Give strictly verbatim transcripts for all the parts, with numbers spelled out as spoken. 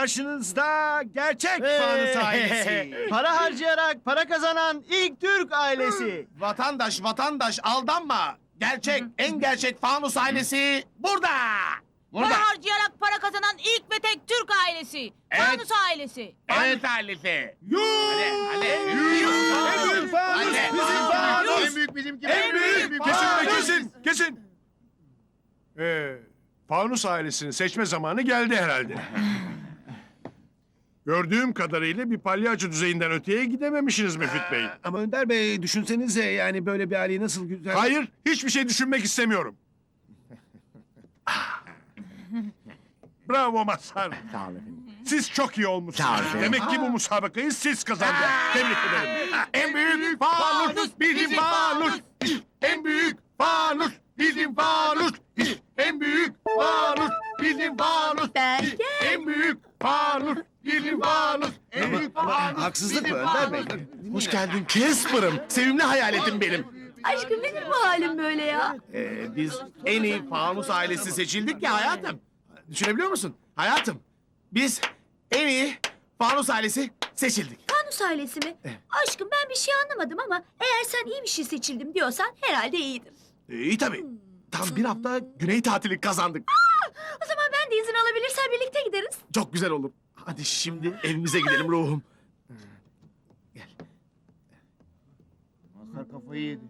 Karşınızda gerçek fanus ailesi. Para harcayarak para kazanan ilk Türk ailesi. Vatandaş vatandaş aldanma. Gerçek en gerçek fanus ailesi burada. Burada. Para harcayarak para kazanan ilk ve tek Türk ailesi. Evet. Fanus ailesi. Evet ailesi. Yuh! Hadi hadi. En büyük fanus Hadi. bizim fanus. En büyük bizimki. En büyük Kesin be fanus. kesin, kesin. Ee, Fanus ailesini seçme zamanı geldi herhalde. Gördüğüm kadarıyla bir palyaço düzeyinden öteye gidememişsiniz Müfit Bey. Ama Önder Bey düşünsenize yani böyle bir aileyi nasıl güzel... Hayır, hiçbir şey düşünmek istemiyorum. Bravo Mazhar. Sağ olun efendim. Siz çok iyi olmuşsunuz. Sağ olun efendim. Demek ki bu musabakayı siz kazandınız. Tebrik ederim. En büyük fanus bizim fanus. En büyük fanus bizim fanus. En büyük fanus bizim fanus. Ben En büyük fanus bizim fanus. En büyük fanus. Haksızlık mı bizim Önder Bey? fanus. Hoş geldin Casper'ım. Sevimli hayaletim benim. Aşkım nedir bu halin böyle ya? Ee, biz en iyi fanus ailesi seçildik ya hayatım. Düşünebiliyor musun? Hayatım, biz en iyi fanus ailesi seçildik. Fanus ailesi mi? Aşkım ben bir şey anlamadım ama eğer sen iyi bir şey seçildim diyorsan herhalde iyidir. Ee, iyi tabii. Tam bir hafta güney tatili kazandık. O zaman ben de izin alabilirsem birlikte gideriz. Çok güzel olur. Hadi şimdi evimize gidelim ruhum. Gel. Mazhar kafayı yedi.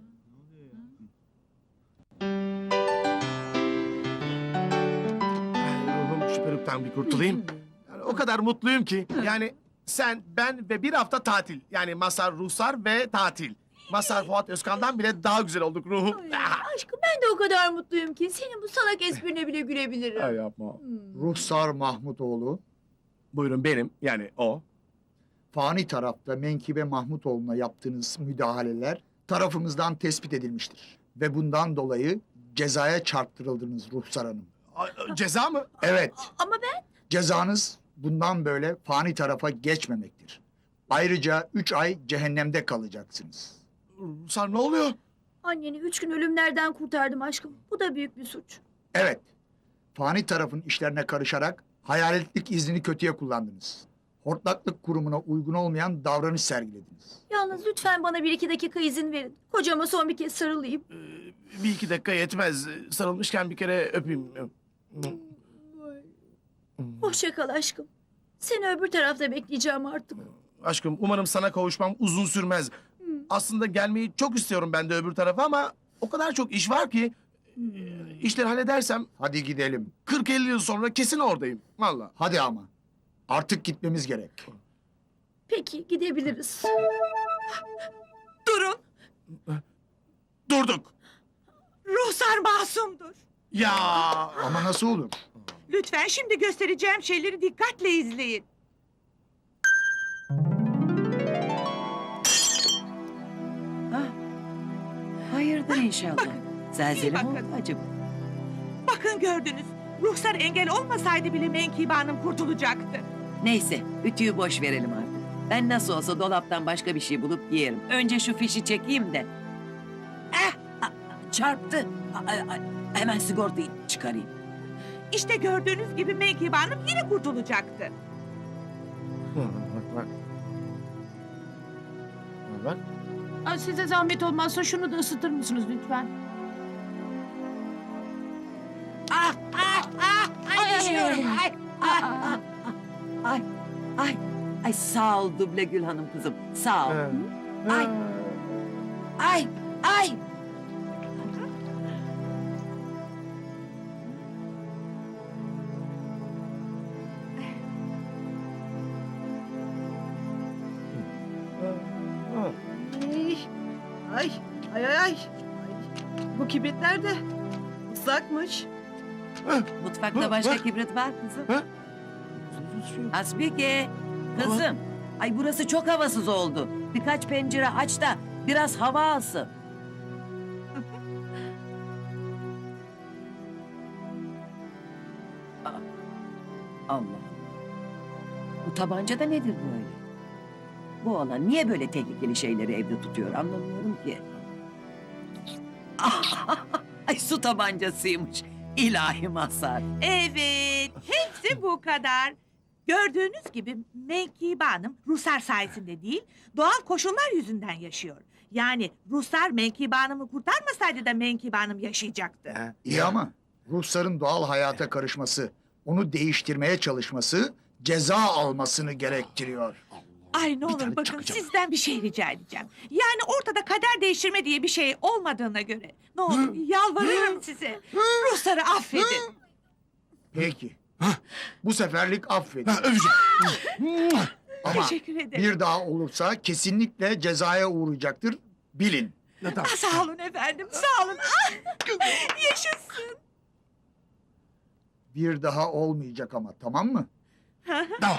Ay, ruhum şu peruktan bir kurtulayım. Yani o kadar mutluyum ki. Yani sen, ben ve bir hafta tatil. Yani Mazhar, Ruhsar ve tatil. Mazhar, Fuat Özkan'dan bile daha güzel olduk ruhum. Ah! Aşkım ben de o kadar mutluyum ki senin bu salak esprine bile gülebilirim. yapma. Ruhsar Mahmutoğlu, Buyurun benim, yani o. fani tarafta Menkibe Mahmutoğlu'na yaptığınız müdahaleler tarafımızdan tespit edilmiştir. Ve bundan dolayı cezaya çarptırıldınız Ruhsar Hanım. Ay, ceza mı? Evet, Ama ben cezanız bundan böyle fani tarafa geçmemektir. Ayrıca üç ay cehennemde kalacaksınız. Ruhsar ne oluyor? anneni üç gün ölümlerden kurtardım aşkım. Bu da büyük bir suç. Evet, fani tarafın işlerine karışarak hayaletlik iznini kötüye kullandınız. Hortlaklık kurumuna uygun olmayan davranış sergilediniz. Yalnız lütfen bana bir iki dakika izin verin. Kocama son bir kez sarılayım. Ee, bir iki dakika yetmez. Sarılmışken bir kere öpeyim. Hoşça kal aşkım. Seni öbür tarafta bekleyeceğim artık. Aşkım umarım sana kavuşmam uzun sürmez. Aslında gelmeyi çok istiyorum ben de öbür tarafa ama o kadar çok iş var ki e, işleri halledersem Hadi gidelim. kırk elli yıl sonra kesin oradayım. Vallahi. Hadi ama. Artık gitmemiz gerek. Peki gidebiliriz. Durun. Durduk. Ruhsar masumdur. Ya Ama nasıl olur? Lütfen şimdi göstereceğim şeyleri dikkatle izleyin. Hayırdır inşallah. Zelzele mi bakın. oldu acaba? Bakın gördünüz. Ruhsar engel olmasaydı bile Menkibe Hanım kurtulacaktı. Neyse, ütüyü boş verelim artık. Ben nasıl olsa dolaptan başka bir şey bulup giyerim. Önce şu fişi çekeyim de. Eh, a- a- çarptı. A- a- a- hemen sigortayı çıkarayım. İşte gördüğünüz gibi Menkibe Hanım yine kurtulacaktı. bak bak. Bak. Ay, size zahmet olmazsa şunu da ısıtır mısınız lütfen? Ah, ah, ah, ay, Ay, ay, düşüyorum. ay. Ay, ah, ah, ah, ay, ay, ay, sağ ol Duble Gül Hanım kızım, sağ ol. Ay, ay, ay. Ay, ay, ay, ay. Bu kibritler de ıslakmış. Mutfakta başka Bak. kibrit var kızım. Ha? Asbike, kızım. Ay burası çok havasız oldu. Birkaç pencere aç da biraz hava alsın. Aa, Allah Allah. Bu tabanca da nedir böyle? Bu oğlan niye böyle tehlikeli şeyleri evde tutuyor anlamıyorum ki. Ah, ay su tabancasıymış. İlahi Mazhar. Evet, hepsi bu kadar. Gördüğünüz gibi Menkibe Hanım Ruslar sayesinde değil, doğal koşullar yüzünden yaşıyor. Yani Ruslar Menkibe Hanım'ı kurtarmasaydı da Menkibe Hanım yaşayacaktı. İyi ama Rusların doğal hayata karışması, onu değiştirmeye çalışması ceza almasını gerektiriyor. Ay ne olur tane bakın çakacağım. sizden bir şey rica edeceğim. Yani ortada kader değiştirme diye bir şey olmadığına göre ne olur yalvarıyorum size. Rusları affedin. Peki. Bu seferlik affedin. Ha, öpeceğim. Ama Teşekkür ederim. bir daha olursa kesinlikle cezaya uğrayacaktır. Bilin. Ha, tamam. Ah, sağ olun efendim sağ olun. Ah, yaşasın. Bir daha olmayacak ama, tamam mı? Tamam.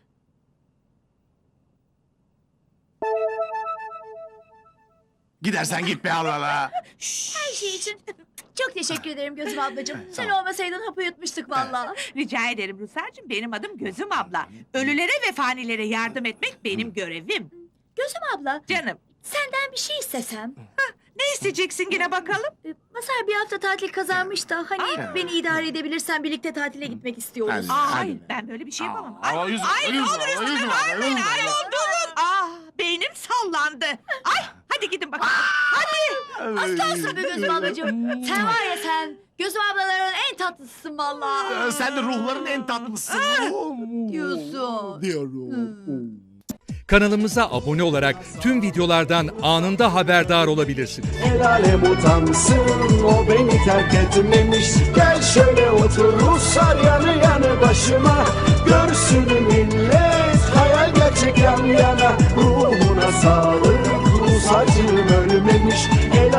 Gidersen git be Allah Allah. Her şey için çok teşekkür ederim Gözüm ablacığım. Sen olmasaydın hapı yutmuştuk vallahi. Rica ederim Ruslar'cığım benim adım Gözüm abla. Ölülere ve fanilere yardım etmek benim görevim. Gözüm abla, Canım senden bir şey istesem. ne isteyeceksin yine bakalım? Ee, Masar bir hafta tatil kazanmış da hani beni idare edebilirsen birlikte tatile gitmek istiyoruz. Hadi. Aa, hayır ben böyle bir şey yapamam. Ay, Aa, yüzüm, ay ne yüzüm, olur yüzüm, üstüme yüzüm, vermeyin. yüzüm. Ay durun. Ah beynim sallandı. Ay hadi gidin bakalım. Hadi. Aslansın be Gözüm ablacığım. Sen var ya sen, Gözüm ablaların en tatlısısın vallahi. Ee, Sen de ruhların en tatlısın. Diyorsun. Diyorum. Kanalımıza abone olarak tüm videolardan anında haberdar olabilirsiniz. El alem utansın, o beni terk etmemiş. Gel şöyle otur Ruslar yanı yanı başıma. Görsün millet hayal gerçek yan yana. Ruhuna sağlık, Rus acım ölmemiş.